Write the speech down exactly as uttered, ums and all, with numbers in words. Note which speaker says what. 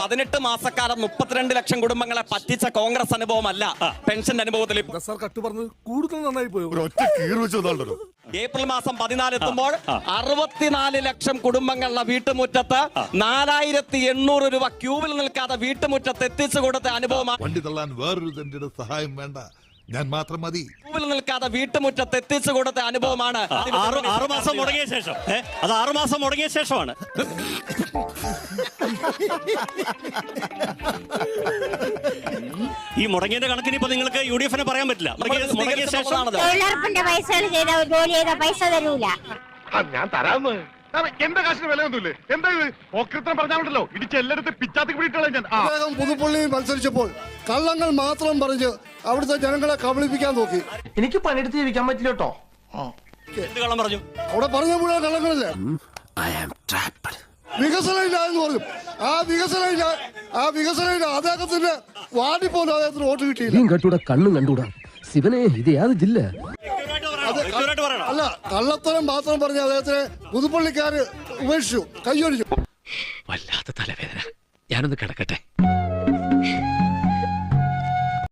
Speaker 1: പതിനെട്ട് മാസക്കാലം മുപ്പത്തിരണ്ട് ലക്ഷം കുടുംബങ്ങളെ പറ്റിച്ച കോൺഗ്രസ് അനുഭവമല്ല പെൻഷൻ അനുഭവത്തിൽ.
Speaker 2: കൂടുതൽ നന്നായി പോയി.
Speaker 1: ഏപ്രിൽ മാസം പതിനാല് എത്തുമ്പോൾ അറുപത്തിനാല് ലക്ഷം കുടുംബങ്ങളുടെ വീട്ടുമുറ്റത്ത് നാലായിരത്തി എണ്ണൂറ് രൂപ ക്യൂവിൽ നിൽക്കാതെ വീട്ടുമുറ്റത്ത് എത്തിച്ചു കൊടുത്ത അനുഭവമാണ്.
Speaker 3: വണ്ടി തള്ളാൻ വേറൊരു സഹായം വേണ്ട, ഞാൻ മാത്രം മതി.
Speaker 1: ക്യൂവിൽ നിൽക്കാതെ വീട്ടുമുറ്റത്ത് എത്തിച്ചു കൊടുത്ത അനുഭവമാണ്.
Speaker 4: ആറു മാസം മുടങ്ങിയ ശേഷം അത് ആറു മാസം മുടങ്ങിയ ശേഷമാണ്. ഈ മുടങ്ങിയതിന്റെ കണക്കിന് ഇപ്പൊ നിങ്ങൾക്ക് യു ഡി എഫിനെ പറയാൻ പറ്റില്ല. മുടങ്ങിയ ശേഷം
Speaker 5: തൊഴിലുറപ്പിന്റെ പൈസ ചെയ്ത ജോലി ചെയ്ത പൈസ തരൂല.
Speaker 6: ഞാൻ തരാന്ന് എന്റെ കാശിന് വിലയൊന്നുമില്ലേ? എന്താ ഓക്രിത്രം പറഞ്ഞാണല്ലോ ഇടിച്ച് എല്ലായിടത്തും പിച്ചാത്തി പിടിയിട്ടുള്ള ഞാൻ.
Speaker 2: അദ്ദേഹം പുതുപ്പള്ളിയിൽ മത്സരിച്ചപ്പോൾ കള്ളങ്ങൾ മാത്രം പറഞ്ഞ് അവിടുത്തെ ജനങ്ങളെ കബളിപ്പിക്കാൻ നോക്കി.
Speaker 7: എനിക്ക് പണിയെടുത്ത് ജീവിക്കാൻ പറ്റില്ല കേട്ടോ.
Speaker 4: എന്ത് കള്ളം പറഞ്ഞു?
Speaker 2: അവിടെ പറഞ്ഞ മുഴുവൻ കള്ളങ്ങളില്ലേ? വികസനം ഇല്ല എന്ന് പറഞ്ഞു. ആ വികസനം ഇല്ല, ആ വികസനം ഇല്ല. അദ്ദേഹത്തിന്റെ വാർഡിൽ പോലും അദ്ദേഹത്തിന് വോട്ട് കിട്ടിയില്ല.
Speaker 8: കണ്ടൂടാ, കണ്ണും കണ്ടൂടാ. ശിവനെ ഇത് യാത് ജില്ല.
Speaker 2: അല്ല, കള്ളത്തരം മാത്രം പറഞ്ഞ അദ്ദേഹത്തിനെ പുതുപ്പള്ളിക്കാര് ഉപേക്ഷിച്ചു, കൈയൊഴിച്ചു.
Speaker 8: വല്ലാത്ത തലവേദന. ഞാനൊന്ന് കിടക്കട്ടെ.